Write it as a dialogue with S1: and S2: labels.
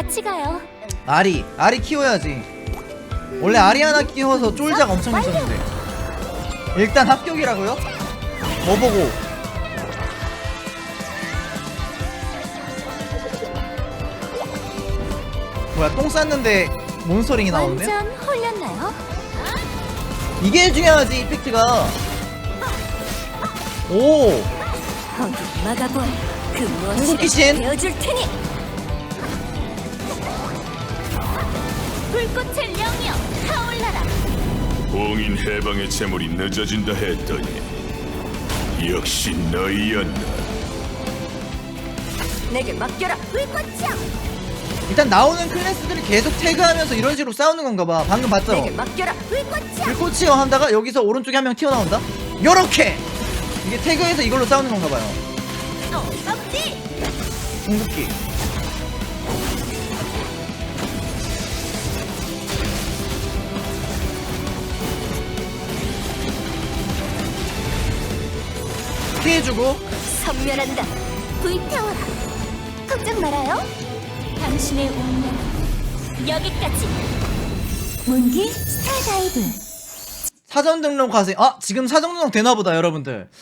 S1: 같이 가요.
S2: 아리 키워야지. 원래 아리 하나 키워서 쫄작 엄청 있었는데. 일단 합격이라고요? 뭐 보고? 뭐야, 똥 쌌는데 몬스터링이 나오네?
S1: 완전 홀렸나요?
S2: 이게 중요하지, 이펙트가. 오,
S1: 어디 막아보아. 그
S2: 궁극기 신.
S1: 무엇을 되어줄 테니. 불꽃의 영이여 타올라라.
S3: 봉인 해방의 재물이 늦어진다 했더니 역시 너희였나.
S1: 내게 맡겨라. 불꽃이여.
S2: 일단 나오는 클래스들이 계속 태그하면서 이런 식으로 싸우는 건가 봐. 방금 봤죠?
S1: 내게 맡겨라. 불꽃이여.
S2: 불꽃이요 하다가 여기서 오른쪽에 한 명 튀어나온다? 요렇게! 이게 태그해서 이걸로 싸우는 건가 봐요.
S1: 썩지.
S2: 궁극기. 피해주고.
S1: 선멸한다. 불태워라. 걱정 말아요. 당신의 운명 여기까지. 문기 스타다이브.
S2: 사전 등록 하세요. 아, 지금 사전 등록 되나보다, 여러분들.